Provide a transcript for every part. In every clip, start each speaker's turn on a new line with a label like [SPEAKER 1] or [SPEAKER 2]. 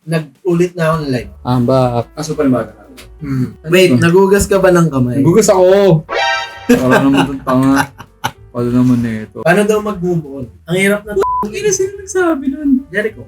[SPEAKER 1] nag-ulit na ako ng live.
[SPEAKER 2] I'm back.
[SPEAKER 3] Aso pa rin ba?
[SPEAKER 1] Wait, nagugas ka ba ng kamay?
[SPEAKER 2] Nagugas ako! Para naman itong tanga. Wala naman na ito.
[SPEAKER 1] Paano daw mag-move on? Ang hirap na
[SPEAKER 2] Hindi sino nagsabi nun.
[SPEAKER 1] Jericho.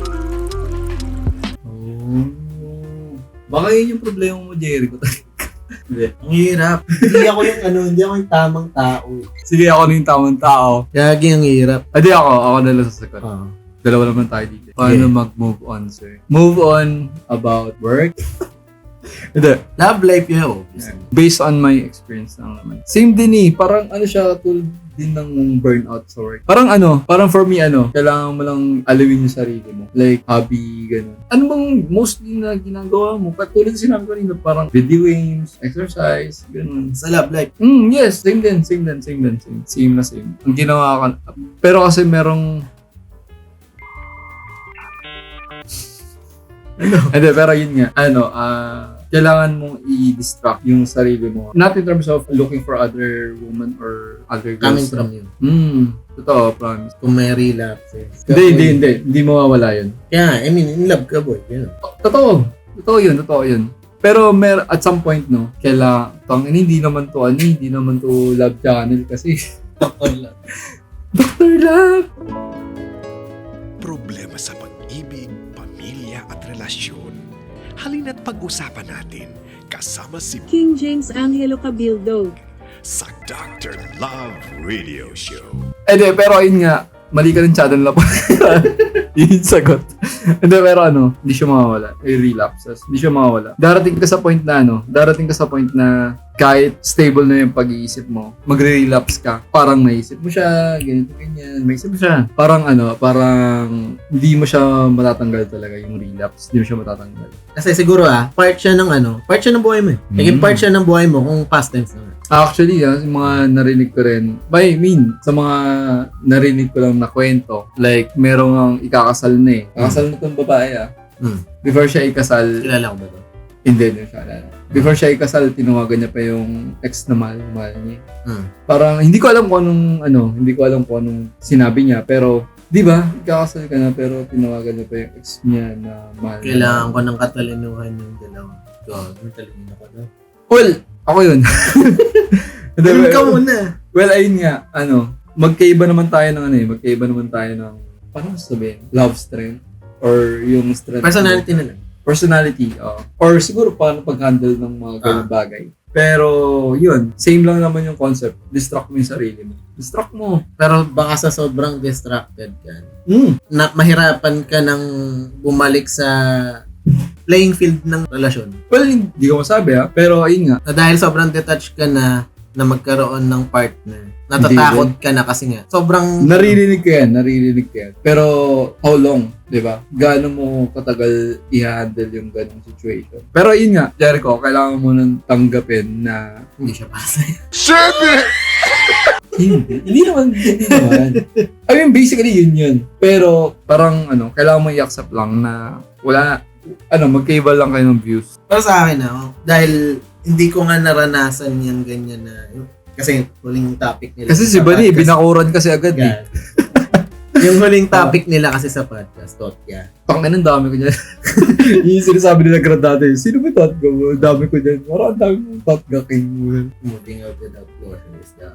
[SPEAKER 2] Oh. Baka yun yung problema mo, Jericho. Hindi.
[SPEAKER 1] Ang hirap. Hindi ako yung tamang tao.
[SPEAKER 2] Sige, ako na yung tamang tao.
[SPEAKER 1] Gagi ang hirap.
[SPEAKER 2] Hindi ako na lang sasagot. Dalawa naman tayo dito. Paano mag-move on, sir? Move on about work? Hindi.
[SPEAKER 1] Love life yun.
[SPEAKER 2] Based on my experience lang naman. Same din parang siya tulad din ng burnout sa work. Parang for me kailangan mo lang alawin yung sarili mo. Like, hobby, gano'n. Ano bang mostly na ginagawa mo? Katulad sinabi ko rin parang video games, exercise, gano'n.
[SPEAKER 1] Sa love life.
[SPEAKER 2] Yes, same din. Same. Ang ginawa ka. Pero kasi merong Hindi, pero yun nga. Kailangan mong i-distract yung sarili mo. Not in terms of looking for other women or other
[SPEAKER 1] Coming
[SPEAKER 2] girls.
[SPEAKER 1] from you.
[SPEAKER 2] Totoo, promise.
[SPEAKER 1] Kung may relapses.
[SPEAKER 2] Hindi mawawala yun.
[SPEAKER 1] Yeah, I mean, in love ka, boy. You know.
[SPEAKER 2] Totoo yun. Pero at some point, no, hindi naman to love channel kasi. Dr. Love!
[SPEAKER 4] Problema sa pag-ibig, pamilya at relasyon. Halina't pag-usapan natin kasama si
[SPEAKER 5] King James Angelo Cabildo
[SPEAKER 4] sa Dr. Love Radio Show.
[SPEAKER 2] Pero ayun nga, mali ka ng channel na po. Yun yung sagot. Hindi, pero hindi siya mawawala. Relapses. Hindi siya mawawala. Darating ka sa point na kahit stable na yung pag-iisip mo, magre-relapse ka. Parang naisip mo siya, ganyan. Maisip mo siya. Parang hindi mo siya matatanggal talaga yung relapse. Hindi mo siya matatanggal.
[SPEAKER 1] Kasi siguro part siya ng buhay mo. Naging part siya ng buhay mo kung past tense naman.
[SPEAKER 2] Actually, yung mga narinig ko rin, sa mga narinig ko lang na kwento, like, merong ang ikakasal na Kakasal na itong babae Before siya ikasal,
[SPEAKER 1] Kilala ko ba ito?
[SPEAKER 2] hindi siya alala. Before siya ikasal, tinawagan niya pa yung ex na mahal niya. Parang, hindi ko alam kung anong sinabi niya, pero, di ba, ikakasal ka na, pero tinawagan niya pa yung ex niya na mahal niya.
[SPEAKER 1] Kailangan ko ng katalinuhan yung dalawa. God, matalino ko na.
[SPEAKER 2] Well, ako yun.
[SPEAKER 1] Ganun ka muna.
[SPEAKER 2] Well, ayun nga, magkaiba naman tayo ng, paano sabihin? Love strength? Or yung strength?
[SPEAKER 1] Personality na lang.
[SPEAKER 2] Personality, or siguro paano pag-handle ng mga ganung bagay. Pero, yun, same lang naman yung concept. Distract mo yung sarili mo. Distract mo.
[SPEAKER 1] Pero baka sa sobrang distracted ka, na mahirapan ka ng bumalik sa playing field ng relasyon.
[SPEAKER 2] Well, hindi ko masabi pero ayun nga.
[SPEAKER 1] Na dahil sobrang detached ka na magkaroon ng partner. Natatakot ka na kasi nga. Sobrang...
[SPEAKER 2] Naririnig ko yan. Pero, how long? Diba? Gaano mo katagal i-handle yung ganong situation? Pero yun nga, Jericho, kailangan mo nang tanggapin na
[SPEAKER 1] hindi siya pasay.
[SPEAKER 2] Hindi naman. I mean, basically, yun. Pero, parang, kailangan mo i-accept lang na wala, magkaiba lang kayo ng views.
[SPEAKER 1] Pero sa akin, dahil hindi ko nga naranasan yan ganyan na, kasi huling topic nila.
[SPEAKER 2] Kasi si Bani, binakuran kasi agad
[SPEAKER 1] Yung huling topic nila kasi sa podcast, Totya.
[SPEAKER 2] Ang dami ko dyan. Yung sinasabi nila grad dati, sino ba Totga mo? Ang dami ko dyan. Parang ang dami mo Totga king mo.
[SPEAKER 1] Moving out without closure is down.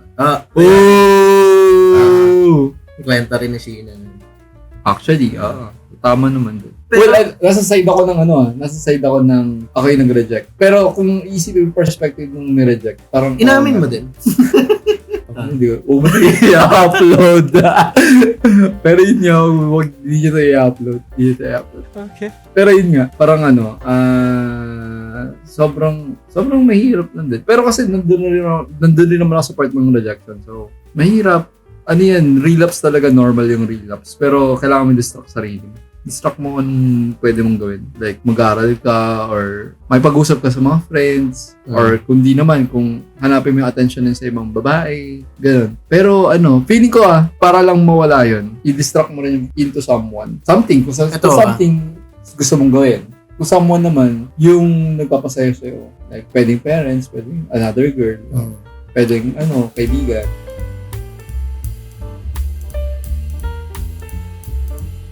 [SPEAKER 1] Kwenta rin ni Sheena.
[SPEAKER 2] Actually, tama naman doon. Well, nasa side ako ng ako yung nag-reject. Pero kung isip yung perspective ng nireject, parang...
[SPEAKER 1] Inamin mo din.
[SPEAKER 2] Hindi ko. I-upload. Pero yun nga, hindi nyo ito i-upload.
[SPEAKER 3] Okay.
[SPEAKER 2] Pero yun nga, parang sobrang mahirap lang din. Pero kasi nandun din naman ako sa part ng rejection. So, mahirap. Relapse talaga, normal yung relapse. Pero kailangan mo distract sarili mo. Distract mo kung pwede mong gawin. Like, mag-aaral ka or may pag-usap ka sa mga friends or kundi naman kung hanapin mo yung attention sa ibang babae. Ganun. Pero feeling ko para lang mawala yun, i-distract mo rin into someone. Something. Kung something gusto mong gawin. Kung someone naman, yung nagpapasaya sa'yo. Like, pwedeng parents, pwedeng another girl. Pwedeng, kaibigan.